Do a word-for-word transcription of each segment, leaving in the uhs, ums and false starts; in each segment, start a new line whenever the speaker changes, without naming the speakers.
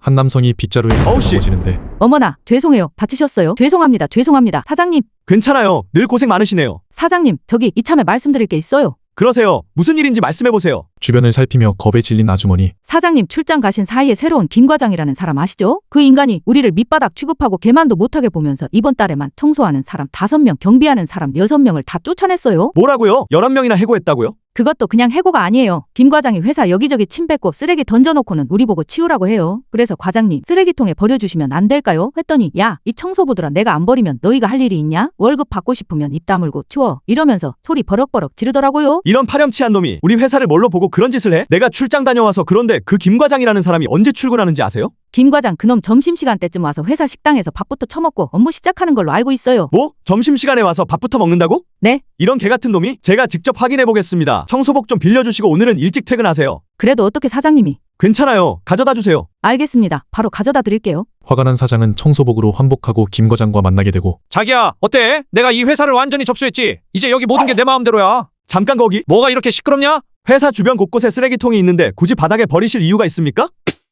한 남성이 빗자루에
어우, 씨.
넘어지는데
어머나, 죄송해요. 다치셨어요? 죄송합니다. 죄송합니다. 사장님,
괜찮아요. 늘 고생 많으시네요.
사장님, 저기 이참에 말씀드릴 게 있어요.
그러세요. 무슨 일인지 말씀해보세요.
주변을 살피며 겁에 질린 아주머니.
사장님, 출장 가신 사이에 새로운 김 과장이라는 사람 아시죠? 그 인간이 우리를 밑바닥 취급하고 개만도 못하게 보면서 이번 달에만 청소하는 사람 다섯 명, 경비하는 사람 여섯 명을 다 쫓아냈어요.
뭐라고요? 열한 명이나 해고했다고요?
그것도 그냥 해고가 아니에요. 김 과장이 회사 여기저기 침 뱉고 쓰레기 던져놓고는 우리 보고 치우라고 해요. 그래서 과장님, 쓰레기통에 버려주시면 안 될까요? 했더니 야, 이 청소부들아, 내가 안 버리면 너희가 할 일이 있냐? 월급 받고 싶으면 입 다물고 치워. 이러면서 소리 버럭버럭 지르더라고요.
이런 파렴치한 놈이 우리 회사를 뭘로 보고 그런 짓을 해? 내가 출장 다녀와서 그런데 그 김 과장이라는 사람이 언제 출근하는지 아세요?
김 과장 그놈 점심시간 때쯤 와서 회사 식당에서 밥부터 처먹고 업무 시작하는 걸로 알고 있어요.
뭐? 점심시간에 와서 밥부터 먹는다고?
네?
이런 개 같은 놈이? 제가 직접 확인해보겠습니다. 청소복 좀 빌려주시고 오늘은 일찍 퇴근하세요.
그래도 어떻게 사장님이?
괜찮아요. 가져다 주세요.
알겠습니다. 바로 가져다 드릴게요.
화가 난 사장은 청소복으로 환복하고 김 과장과 만나게 되고
자기야, 어때? 내가 이 회사를 완전히 접수했지? 이제 여기 모든 게 내 마음대로야.
잠깐 거기.
뭐가 이렇게 시끄럽냐?
회사 주변 곳곳에 쓰레기통이 있는데 굳이 바닥에 버리실 이유가 있습니까?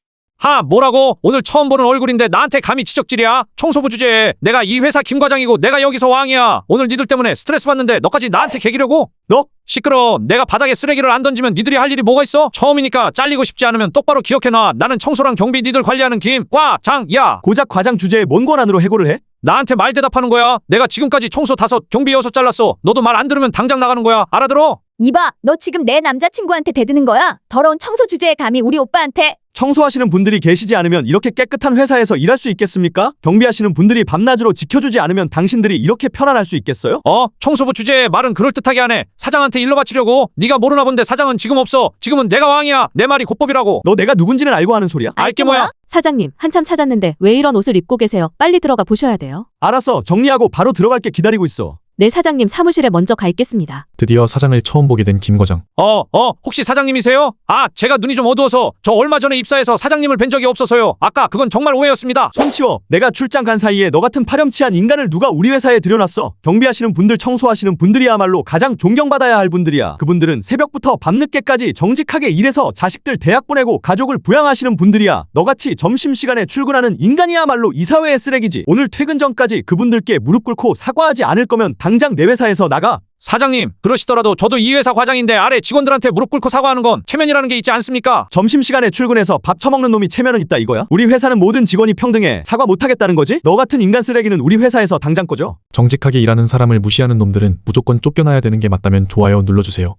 하, 뭐라고? 오늘 처음 보는 얼굴인데 나한테 감히 지적질이야? 청소부 주제에 내가 이 회사 김 과장이고 내가 여기서 왕이야. 오늘 니들 때문에 스트레스 받는데 너까지 나한테 개기려고?
너?
시끄러. 내가 바닥에 쓰레기를 안 던지면 니들이 할 일이 뭐가 있어? 처음이니까 잘리고 싶지 않으면 똑바로 기억해놔. 나는 청소랑 경비 니들 관리하는 김 과장이야.
고작 과장 주제에 뭔 권한으로 해고를 해?
나한테 말 대답하는 거야. 내가 지금까지 청소 다섯, 경비 여섯 잘랐어. 너도 말 안 들으면 당장 나가는 거야. 알아들어?
이봐, 너 지금 내 남자친구한테 대드는 거야? 더러운 청소 주제에 감히 우리 오빠한테.
청소하시는 분들이 계시지 않으면 이렇게 깨끗한 회사에서 일할 수 있겠습니까? 경비하시는 분들이 밤낮으로 지켜주지 않으면 당신들이 이렇게 편안할 수 있겠어요?
어? 청소부 주제에 말은 그럴듯하게 하네. 사장한테 일러 바치려고. 네가 모르나 본데 사장은 지금 없어. 지금은 내가 왕이야. 내 말이 곧법이라고.
너 내가 누군지는 알고 하는 소리야?
알게 뭐야?
사장님, 한참 찾았는데 왜 이런 옷을 입고 계세요? 빨리 들어가 보셔야 돼요.
알았어. 정리하고 바로 들어갈게. 기다리고 있어.
네, 사장님 사무실에 먼저 가 있겠습니다.
드디어 사장을 처음 보게 된 김 과장.
어, 어, 혹시 사장님이세요? 아, 제가 눈이 좀 어두워서 저 얼마 전에 입사해서 사장님을 뵌 적이 없어서요. 아까 그건 정말 오해였습니다.
손 치워. 내가 출장 간 사이에 너 같은 파렴치한 인간을 누가 우리 회사에 들여놨어? 경비하시는 분들, 청소하시는 분들이야말로 가장 존경받아야 할 분들이야. 그분들은 새벽부터 밤늦게까지 정직하게 일해서 자식들 대학 보내고 가족을 부양하시는 분들이야. 너같이 점심시간에 출근하는 인간이야말로 이 사회의 쓰레기지. 오늘 퇴근 전까지 그분들께 무릎 꿇고 사과하지 않을 거면 당장 내 회사에서 나가.
사장님, 그러시더라도 저도 이 회사 과장인데 아래 직원들한테 무릎 꿇고 사과하는 건 체면이라는 게 있지 않습니까?
점심시간에 출근해서 밥 처먹는 놈이 체면은 있다 이거야? 우리 회사는 모든 직원이 평등해. 사과 못하겠다는 거지? 너 같은 인간 쓰레기는 우리 회사에서 당장 꺼져.
정직하게 일하는 사람을 무시하는 놈들은 무조건 쫓겨나야 되는 게 맞다면 좋아요 눌러주세요.